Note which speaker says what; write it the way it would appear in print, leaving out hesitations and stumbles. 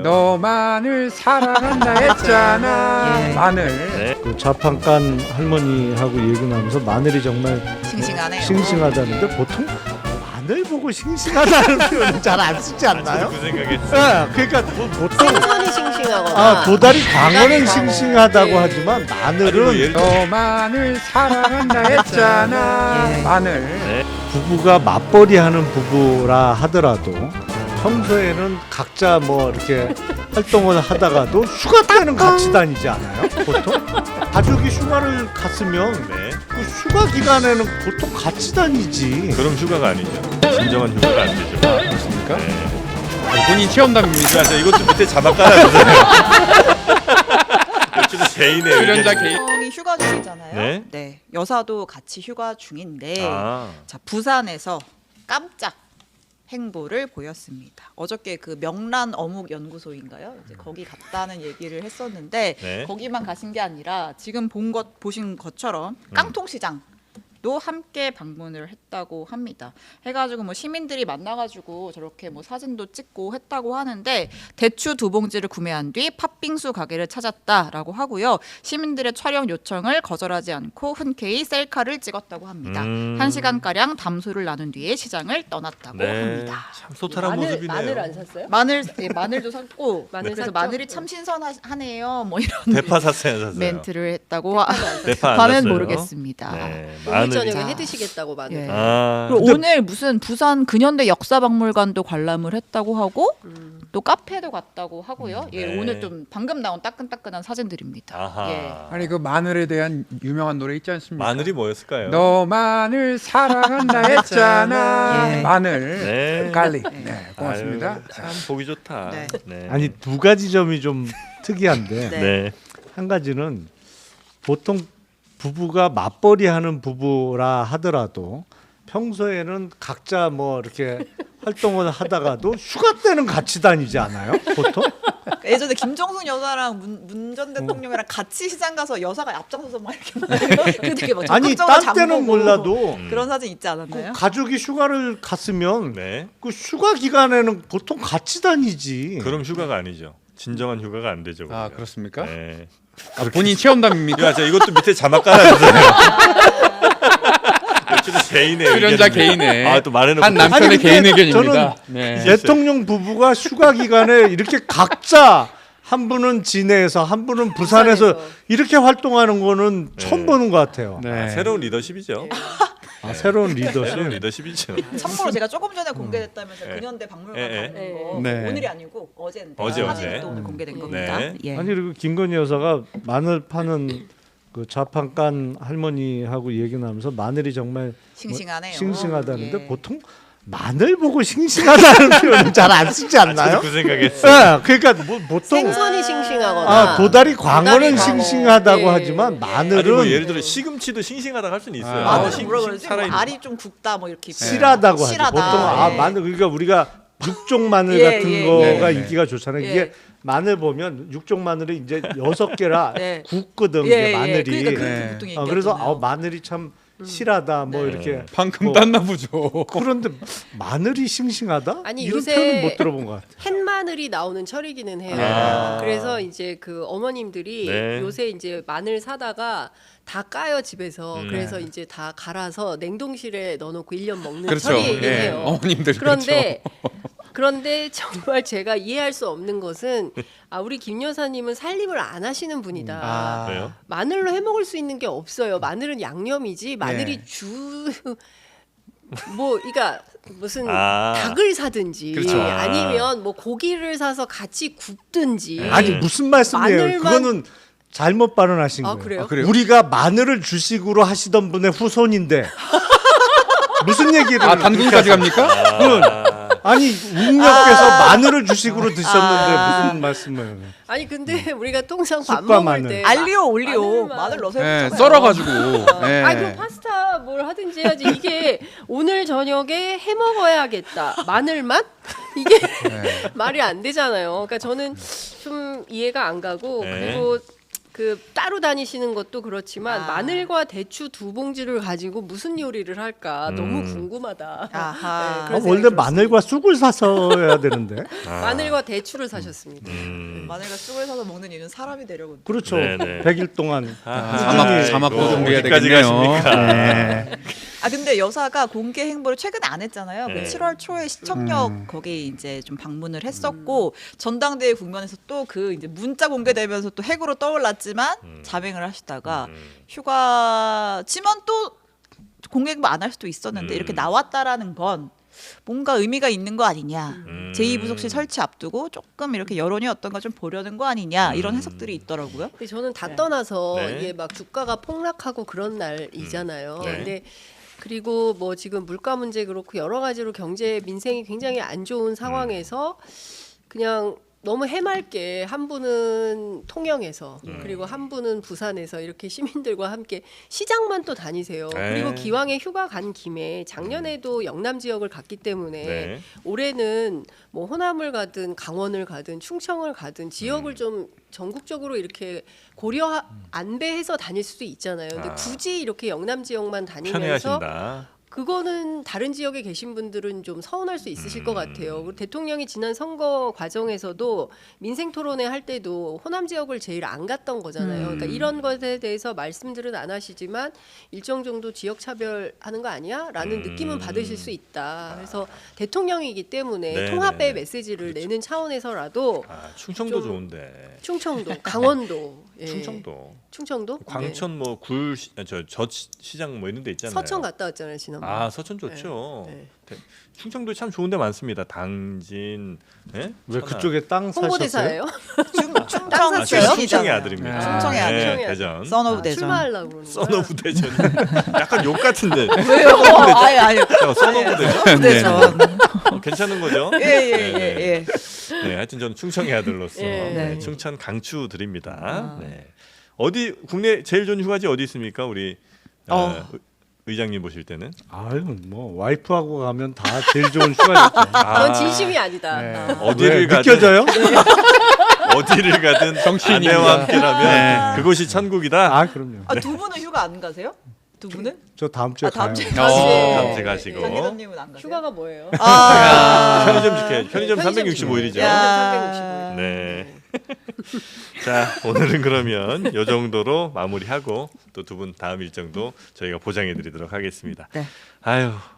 Speaker 1: 너만을 사랑한다 했잖아. 마늘.
Speaker 2: 네. 그 좌판간 할머니하고 얘기 나면서 마늘이 정말
Speaker 3: 싱싱하네요.
Speaker 2: 싱싱하다는데 보통 마늘 보고 싱싱하다는 표현은 잘 안 쓰지 않나요?
Speaker 4: 그 생각했어요.
Speaker 2: 그러니까 보통
Speaker 5: 생선이 싱싱하거나
Speaker 2: 도다리 광어는
Speaker 5: 광어.
Speaker 2: 싱싱하다고
Speaker 5: 예.
Speaker 2: 하지만 마늘은
Speaker 4: 아니, 뭐 예를 들어
Speaker 1: 너만을 사랑한다 했잖아.
Speaker 3: 예.
Speaker 1: 마늘.
Speaker 4: 네.
Speaker 2: 부부가 맞벌이 하는 부부라 하더라도 평소에는 각자 뭐 이렇게 활동을 하다가도 휴가 때는 같이 다니지 않아요? 보통? 가족이 휴가를 갔으면
Speaker 4: 네.
Speaker 2: 그 휴가 기간에는 보통 같이 다니지.
Speaker 4: 그럼 휴가가 아니죠. 진정한 휴가가 안 되죠.
Speaker 1: 그렇습니까?
Speaker 4: 네.
Speaker 1: 본인 체험담입니다.
Speaker 4: 자, 이것도 밑에 자막 깔아주세요. 이것도 개인의
Speaker 1: 출연자
Speaker 4: 의견.
Speaker 1: 개인.
Speaker 3: 남편이 휴가 중이잖아요.
Speaker 4: 네.
Speaker 3: 네. 여사도 같이 휴가 중인데
Speaker 4: 아,
Speaker 3: 자, 부산에서 깜짝 행보를 보였습니다. 어저께 그 명란 어묵 연구소인가요? 이제 거기 갔다는 얘기를 했었는데
Speaker 4: 네.
Speaker 3: 거기만 가신 게 아니라 지금 보신 것처럼 깡통시장 도 함께 방문을 했다고 합니다. 해가지고 뭐 시민들이 만나가지고 저렇게 뭐 사진도 찍고 했다고 하는데 대추 2봉지를 구매한 뒤 팥빙수 가게를 찾았다라고 하고요. 시민들의 촬영 요청을 거절하지 않고 흔쾌히 셀카를 찍었다고 합니다. 1시간가량 담소를 나눈 뒤에 시장을 떠났다고 합니다.
Speaker 4: 참 소탈한 모습이네요.
Speaker 5: 마늘 안 샀어요?
Speaker 3: 마늘도 샀고
Speaker 5: 마늘
Speaker 3: 그래서
Speaker 5: 샀죠?
Speaker 3: 마늘이 참 신선하네요. 뭐 이런
Speaker 4: 대파 샀어요.
Speaker 3: 멘트를 했다고
Speaker 4: 대파 안
Speaker 3: 하는
Speaker 4: 샀어요?
Speaker 3: 모르겠습니다.
Speaker 4: 네.
Speaker 5: 오늘
Speaker 4: 마늘이.
Speaker 5: 저녁에
Speaker 3: 자.
Speaker 5: 해드시겠다고 마늘.
Speaker 3: 예.
Speaker 4: 아,
Speaker 3: 그리고 오늘 무슨 부산 근현대 역사박물관도 관람을 했다고 하고 또 카페도 갔다고 하고요. 예,
Speaker 4: 네.
Speaker 3: 오늘 좀 방금 나온 따끈따끈한 사진들입니다.
Speaker 4: 아하.
Speaker 3: 예.
Speaker 1: 아니 그 마늘에 대한 유명한 노래 있지 않습니까?
Speaker 4: 마늘이 뭐였을까요?
Speaker 1: 너만을 사랑한다 했잖아.
Speaker 3: 예.
Speaker 1: 마늘.
Speaker 4: 네.
Speaker 1: 갈릭. 네, 고맙습니다.
Speaker 4: 아유, 참 보기 좋다.
Speaker 3: 네.
Speaker 4: 네.
Speaker 2: 아니 두 가지 점이 좀 특이한데
Speaker 3: 네.
Speaker 4: 네.
Speaker 2: 한 가지는 보통 부부가 맞벌이 하는 부부라 하더라도 평소에는 각자 뭐 이렇게 활동을 하다가도 휴가 때는 같이 다니지 않아요? 보통?
Speaker 3: 예전에 김정숙 여사랑 문 전 대통령이랑 같이 시장 가서 여사가 앞장서서 막 이렇게 그 되게 막
Speaker 2: 아니
Speaker 3: 적극적으로
Speaker 2: 딴 때는
Speaker 3: 장보고
Speaker 2: 몰라도
Speaker 3: 그런 사진 있지 않았나요?
Speaker 2: 가족이 휴가를 갔으면
Speaker 4: 네.
Speaker 2: 그 휴가 기간에는 보통 같이 다니지.
Speaker 4: 그럼 휴가가 아니죠. 진정한 휴가가 안 되죠.
Speaker 1: 아
Speaker 4: 우리가.
Speaker 1: 그렇습니까?
Speaker 4: 네.
Speaker 1: 본인 체험담입니다.
Speaker 4: 야, 자, 이것도 밑에 자막 깔아주세요. 이것도 개인의
Speaker 1: 출연자
Speaker 4: 의견입니다.
Speaker 1: 개인의
Speaker 4: 아, 또 말해놓고
Speaker 1: 한 남편의
Speaker 2: 아니, 근데
Speaker 1: 개인 의견입니다.
Speaker 2: 저는
Speaker 1: 네.
Speaker 2: 대통령 부부가 휴가 기간에 이렇게 각자 한 분은 진해에서 한 분은 부산에서
Speaker 5: 부산에서.
Speaker 2: 이렇게 활동하는 거는 처음 보는 것 같아요.
Speaker 1: 네.
Speaker 4: 아, 새로운 리더십이죠.
Speaker 2: 아, 새로운
Speaker 4: 새로운
Speaker 2: 리더십.
Speaker 4: 리더십이죠.
Speaker 3: 참고로 제가 조금 전에 공개됐다면서
Speaker 4: 네.
Speaker 3: 근현대 박물관
Speaker 4: 예, 예.
Speaker 3: 가는 거
Speaker 1: 네.
Speaker 3: 오늘이 아니고 어제인데
Speaker 4: 어제.
Speaker 3: 사진이 또 오늘 공개된 겁니다.
Speaker 4: 네.
Speaker 3: 예.
Speaker 2: 아니 그리고 김건희 여사가 마늘 파는 그 좌판간 할머니하고 얘기 나면서 마늘이 정말
Speaker 3: 싱싱하네요.
Speaker 2: 싱싱하다는데
Speaker 3: 예.
Speaker 2: 보통 마늘 보고 싱싱하다는 표현은 잘 안 쓰지 않나요?
Speaker 4: 저도 그 생각했어요.
Speaker 2: 그러니까 뭐 보통
Speaker 5: 생선이 싱싱하거나
Speaker 2: 도다리 광어는
Speaker 5: 도다리 광어.
Speaker 2: 싱싱하다고
Speaker 5: 예.
Speaker 2: 하지만 마늘은
Speaker 4: 아니 뭐 예를 들어 시금치도 싱싱하다고 할 수는 있어요.
Speaker 1: 아,
Speaker 3: 마늘 뭐라 그러지?
Speaker 4: 살아있는
Speaker 3: 알이 좀 굵다 뭐 이렇게
Speaker 2: 실하다고 하죠.
Speaker 3: 실하다.
Speaker 2: 보통
Speaker 3: 예.
Speaker 2: 마늘 그러니까 우리가 육종 마늘
Speaker 3: 예,
Speaker 2: 같은
Speaker 3: 예,
Speaker 2: 거가
Speaker 1: 예.
Speaker 2: 인기가 좋잖아요.
Speaker 3: 예.
Speaker 2: 이게 마늘 보면 육종 마늘이 이제 6개라
Speaker 3: 네.
Speaker 2: 굵거든
Speaker 3: 예,
Speaker 2: 이게 마늘이.
Speaker 3: 그러니까 그렇게
Speaker 1: 네.
Speaker 3: 보통 얘기하잖아요.
Speaker 2: 그래서 마늘이 참 실하다 뭐
Speaker 3: 네.
Speaker 2: 이렇게
Speaker 1: 방금
Speaker 2: 뭐
Speaker 1: 땄나 보죠.
Speaker 2: 그런데 마늘이 싱싱하다?
Speaker 5: 아니,
Speaker 2: 이런
Speaker 5: 요새
Speaker 2: 표현은 못 들어본 것 같아요.
Speaker 5: 햇마늘이 나오는 철이기는 해요.
Speaker 4: 아.
Speaker 5: 그래서 이제 그 어머님들이
Speaker 4: 네.
Speaker 5: 요새 이제 마늘 사다가 다 까요 집에서.
Speaker 4: 음.
Speaker 5: 그래서 이제 다 갈아서 냉동실에 넣어놓고 1년 먹는
Speaker 1: 그렇죠.
Speaker 5: 철이긴
Speaker 1: 예.
Speaker 5: 해요.
Speaker 1: 어머님들
Speaker 5: 그런데 정말 제가 이해할 수 없는 것은 우리 김 여사님은 살림을 안 하시는 분이다.
Speaker 1: 아.
Speaker 4: 왜요?
Speaker 5: 마늘로 해 먹을 수 있는 게 없어요. 마늘은 양념이지. 마늘이 그러니까 무슨 닭을 사든지
Speaker 1: 그렇죠.
Speaker 5: 아니면 뭐 고기를 사서 같이 굽든지.
Speaker 2: 아니 무슨 말씀이에요?
Speaker 5: 마늘만-
Speaker 2: 그거는 잘못 발언하신 거예요.
Speaker 5: 그래요?
Speaker 1: 아, 그래요?
Speaker 2: 우리가 마늘을 주식으로 하시던 분의 후손인데 무슨 얘기를?
Speaker 1: 아 단군까지 갑니까?
Speaker 2: 아니 웅녀께서 마늘을 주식으로 드셨는데 무슨 말씀을?
Speaker 5: 아니 근데 우리가 통상 밥
Speaker 2: 쑥과
Speaker 5: 먹을
Speaker 2: 마늘.
Speaker 5: 때
Speaker 3: 알리오 올리오
Speaker 5: 마늘만-
Speaker 3: 마늘 넣어서
Speaker 1: 네,
Speaker 3: 해보잖아요.
Speaker 1: 썰어가지고. 네.
Speaker 5: 아니 그럼 파스타 뭘 하든지 해야지. 이게 오늘 저녁에 해 먹어야겠다. 마늘만? 이게 말이 안 되잖아요. 그러니까 저는 좀 이해가 안 가고
Speaker 4: 네.
Speaker 5: 그리고 그 따로 다니시는 것도 그렇지만
Speaker 3: 아.
Speaker 5: 마늘과 대추 2봉지를 가지고 무슨 요리를 할까 너무 궁금하다.
Speaker 3: 아하.
Speaker 5: 네, 그런 생각이
Speaker 2: 원래
Speaker 5: 들었습니다.
Speaker 2: 마늘과 쑥을 사서 해야 되는데.
Speaker 5: 마늘과 대추를 사셨습니다.
Speaker 3: 마늘과 쑥을 사서 먹는 이유는 사람이 되려고.
Speaker 2: 그렇죠.
Speaker 4: 네네.
Speaker 2: 100일 동안.
Speaker 1: 자막도
Speaker 4: 이거
Speaker 1: 준비해야
Speaker 4: 어디까지
Speaker 1: 되겠네요.
Speaker 4: 가십니까?
Speaker 2: 네.
Speaker 3: 아 근데 여사가 공개 행보를 최근에 안 했잖아요.
Speaker 4: 네.
Speaker 3: 그 7월 초에 시청역 거기 이제 좀 방문을 했었고 전당대회 국면에서 또 그 이제 문자 공개되면서 또 핵으로 떠올랐지만 자맹을 하시다가 휴가지만 또 공개 행보 안 할 수도 있었는데 이렇게 나왔다라는 건 뭔가 의미가 있는 거 아니냐. 제2부속실 설치 앞두고 조금 이렇게 여론이 어떤가 좀 보려는 거 아니냐 이런 해석들이 있더라고요.
Speaker 5: 근데 저는 다
Speaker 3: 네.
Speaker 5: 떠나서
Speaker 4: 네.
Speaker 5: 이게 막 주가가 폭락하고 그런 날이잖아요.
Speaker 4: 네.
Speaker 5: 근데 그리고 뭐 지금 물가 문제 그렇고 여러 가지로 경제 민생이 굉장히 안 좋은 상황에서 그냥 너무 해맑게 한 분은 통영에서 그리고 한 분은 부산에서 이렇게 시민들과 함께 시장만 또 다니세요.
Speaker 4: 네.
Speaker 5: 그리고 기왕에 휴가 간 김에 작년에도 영남 지역을 갔기 때문에
Speaker 4: 네.
Speaker 5: 올해는 뭐 호남을 가든 강원을 가든 충청을 가든 지역을 좀 전국적으로 이렇게 고려 안배해서 다닐 수도 있잖아요. 근데 굳이 이렇게 영남 지역만 다니면서
Speaker 4: 편해하신다.
Speaker 5: 그거는 다른 지역에 계신 분들은 좀 서운할 수 있으실 것 같아요. 그리고 대통령이 지난 선거 과정에서도 민생 토론회 할 때도 호남 지역을 제일 안 갔던 거잖아요. 그러니까 이런 것에 대해서 말씀들은 안 하시지만 일정 정도 지역 차별하는 거 아니야?라는 느낌은 받으실 수 있다. 그래서 대통령이기 때문에
Speaker 4: 네,
Speaker 5: 통합의
Speaker 4: 네, 네.
Speaker 5: 메시지를 내는 차원에서라도
Speaker 4: 충청도
Speaker 5: 좀-
Speaker 4: 좋은데.
Speaker 5: 충청도, 강원도, 예.
Speaker 4: 충청도.
Speaker 5: 네.
Speaker 4: 광천 뭐 굴 저 시장 뭐 이런 데 있잖아요.
Speaker 5: 서천 갔다 왔잖아요 지난번.
Speaker 4: 아 서천 좋죠.
Speaker 5: 네.
Speaker 4: 충청도 참 좋은데 많습니다. 당진. 예?
Speaker 2: 왜
Speaker 4: 천안.
Speaker 2: 그쪽에 땅 사셨어요?
Speaker 5: 홍보대사예요?
Speaker 3: 충청
Speaker 4: 아,
Speaker 5: 샀어요?
Speaker 4: 충청의
Speaker 3: 출신이잖아요.
Speaker 4: 아들입니다.
Speaker 3: 충청의 아들.
Speaker 4: 네, 대전.
Speaker 3: 선 오브 대전.
Speaker 5: 출마하려고 그러는 거야.
Speaker 4: 써너브 대전. 약간 욕 같은데.
Speaker 3: 왜요? 아니 아니.
Speaker 4: 써너브 대전.
Speaker 3: 선 오브 대전.
Speaker 4: 괜찮은 거죠?
Speaker 3: 예예예.
Speaker 4: 네, 하여튼 저는 충청의 아들로서
Speaker 5: 예.
Speaker 4: 네, 충청 강추 드립니다. 네. 어디 국내 제일 좋은 휴가지 어디 있습니까? 우리 의장님 보실 때는?
Speaker 2: 아유 뭐 와이프하고 가면 다 제일 좋은 휴가였죠.
Speaker 5: 넌 진심이 아니다.
Speaker 2: 네.
Speaker 4: 어디를
Speaker 2: 왜,
Speaker 4: 가든
Speaker 2: 느껴져요?
Speaker 4: 어디를 가든
Speaker 1: 정치인입니다.
Speaker 4: 아내와 함께라면 그곳이 천국이다.
Speaker 2: 아 그럼요.
Speaker 3: 아두 분은 휴가 안 가세요? 두 분은?
Speaker 2: 저 다음 주에
Speaker 3: 다음
Speaker 2: 가요.
Speaker 3: 주에
Speaker 4: 다음 주에 가시고.
Speaker 3: 장기자님은 안 가세요?
Speaker 5: 휴가가 뭐예요?
Speaker 4: 편의점 지켜. 편의점
Speaker 5: 편의점
Speaker 4: 365일이죠.
Speaker 3: 야.
Speaker 4: 네. 자, 오늘은 그러면 이 정도로 마무리하고 또 두 분 다음 일정도 저희가 보장해 드리도록 하겠습니다.
Speaker 3: 네.
Speaker 4: 아유,